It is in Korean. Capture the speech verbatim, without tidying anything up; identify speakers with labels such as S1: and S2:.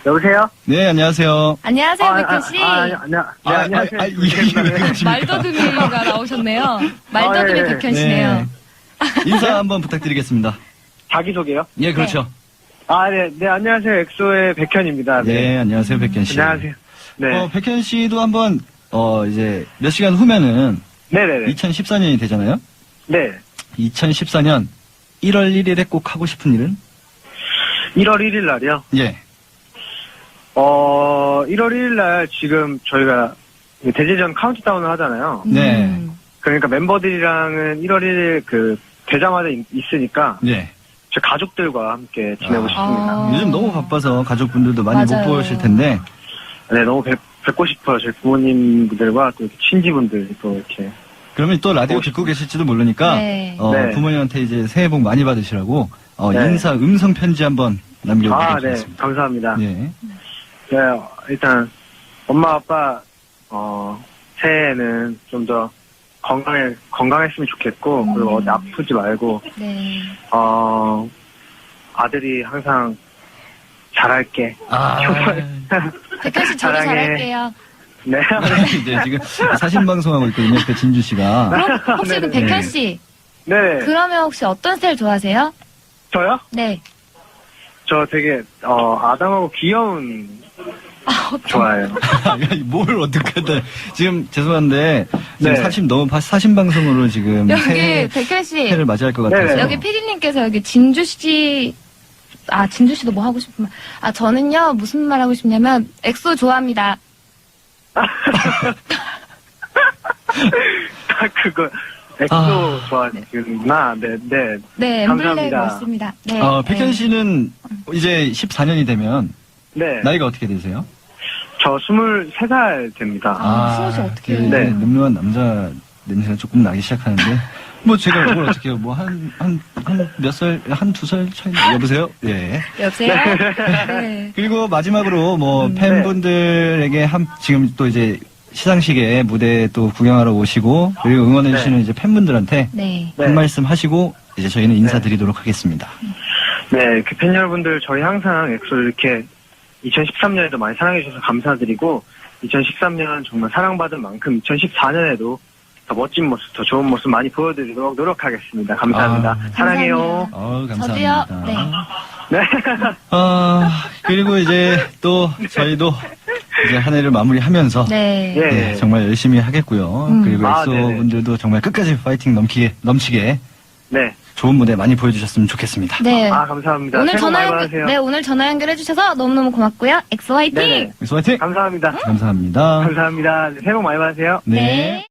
S1: 여보세요?
S2: 네, 안녕하세요.
S3: 안녕하세요,
S1: 아,
S3: 백현 씨.
S1: 아, 아, 아, 안녕, 네,
S2: 아,
S1: 안녕하세요.
S2: 아, 아, 이게 왜 그러십니까?
S3: 말더듬이가 나오셨네요. 말더듬이
S1: 아, 네.
S3: 백현 씨네요.
S2: 네. 인사 한번 부탁드리겠습니다.
S1: 자기소개요?
S2: 예, 그렇죠.
S1: 아, 네, 네, 안녕하세요. 엑소의 백현입니다.
S2: 네,
S1: 네.
S2: 안녕하세요, 백현 씨.
S1: 안녕하세요. 네.
S2: 어, 백현 씨도 한번, 어, 이제, 몇 시간 후면은,
S1: 네네네.
S2: 이천십사 년이 되잖아요?
S1: 네.
S2: 이천십사 년 일월 일일에 꼭 하고 싶은 일은?
S1: 일월 일일 날이요?
S2: 예.
S1: 어, 일월 일일 날 지금 저희가 대제전 카운트다운을 하잖아요.
S2: 네.
S3: 음.
S1: 그러니까 멤버들이랑은 일월 일일 그 되자마자 있- 있으니까
S2: 네.
S1: 제 가족들과 함께 지내고
S2: 아.
S1: 싶습니다.
S3: 아.
S2: 요즘 너무 바빠서 가족분들도 많이
S3: 맞아요.
S2: 못 보실 텐데,
S1: 네, 너무 뵙, 뵙고 싶어요. 제 부모님들과 또 이렇게 친지분들 또 이렇게.
S2: 그러면 또 라디오 듣고 계실지도 모르니까,
S3: 네.
S2: 어,
S1: 네.
S2: 부모님한테 이제 새해 복 많이 받으시라고, 어,
S1: 네.
S2: 인사 음성 편지 한번
S1: 아,
S2: 남겨보도록
S1: 네.
S2: 하겠습니다.
S1: 감사합니다.
S2: 예.
S1: 네, 일단 엄마 아빠 어 새해에는 좀 더 건강해 건강했으면 좋겠고 그리고 어디 아프지 말고
S3: 네.
S1: 어 아들이 항상 잘할게.
S2: 아,
S3: 백현 씨 저도
S1: 사랑해.
S3: 잘할게요.
S1: 네.
S2: 이제 지금 사신 방송하고 있거든요. 그 진주 씨가.
S3: 그럼 혹시 그
S1: 네네.
S3: 백현 씨,
S1: 네.
S3: 그러면 혹시 어떤 스타일 좋아하세요?
S1: 저요?
S3: 네.
S1: 저 되게 어 아담하고 귀여운
S3: 아, 어떤
S1: 좋아해요.
S2: 뭘 어떻게 하다. 지금 죄송한데 지금
S1: 네.
S2: 사심 너무 바- 사심 방송으로 지금
S3: 여기
S2: 새해,
S3: 백현 씨,
S2: 새해를 맞이할 것 같아서.
S1: 네네.
S3: 여기 피디님께서 여기 진주 씨, 아 진주 씨도 뭐 하고 싶으면, 아 저는요 무슨 말 하고 싶냐면 엑소 좋아합니다.
S1: 딱 그거 엑소
S2: 아.
S1: 좋아하시는구나. 네, 네.
S3: 네, 엠블랙
S1: 감사합니다.
S3: 맞습니다. 네.
S2: 어, 백현
S3: 네.
S2: 씨는 이제 십사 년이 되면
S1: 네.
S2: 나이가 어떻게 되세요?
S1: 저 스물세 살 됩니다.
S3: 아, 스무 살 어떻게 해요?
S2: 네.
S1: 네.
S2: 늠름한 남자 냄새가 조금 나기 시작하는데 뭐 제가 뭘 어떻게 해요? 뭐 한 한 한 몇 살, 한 두 살 차이 나- 여보세요? 예.
S3: 여보세요? 네.
S2: 그리고 마지막으로 뭐
S3: 음,
S2: 팬분들에게 한 지금 또 이제 시상식에 무대 또 구경하러 오시고 그리고 응원해
S1: 네.
S2: 주시는 이제 팬분들한테
S3: 네.
S1: 네.
S2: 한 말씀 하시고 이제 저희는 인사드리도록 하겠습니다.
S1: 네, 그 팬 여러분들 저희 항상 엑소를 이렇게 이천십삼 년에도 많이 사랑해 주셔서 감사드리고 이천십삼 년 정말 사랑받은 만큼 이천십사 년에도 더 멋진 모습, 더 좋은 모습 많이 보여드리도록 노력하겠습니다. 감사합니다.
S2: 아,
S1: 사랑해요.
S2: 어,
S3: 저도요.
S2: 감사합니다.
S3: 네.
S1: 네.
S2: 아, 그리고 이제 또 저희도 이제 한 해를 마무리하면서
S3: 네.
S1: 예.
S2: 네, 정말 열심히 하겠고요.
S3: 음.
S2: 그리고
S1: 아,
S2: 엑소
S1: 네네.
S2: 분들도 정말 끝까지 파이팅 넘치게 넘치게
S1: 네.
S2: 좋은 무대 많이 보여주셨으면 좋겠습니다.
S3: 네.
S1: 아, 감사합니다.
S3: 오늘
S1: 새해 복
S3: 전화
S1: 많이
S3: 연결,
S1: 받으세요.
S3: 네, 오늘 전화 연결해 주셔서 너무너무 고맙고요. 엑소 화이팅!
S1: 네네.
S2: 엑소 파이팅!
S1: 감사합니다.
S2: 감사합니다.
S1: 감사합니다. 새해 복 많이 받으세요.
S2: 네.
S3: 네.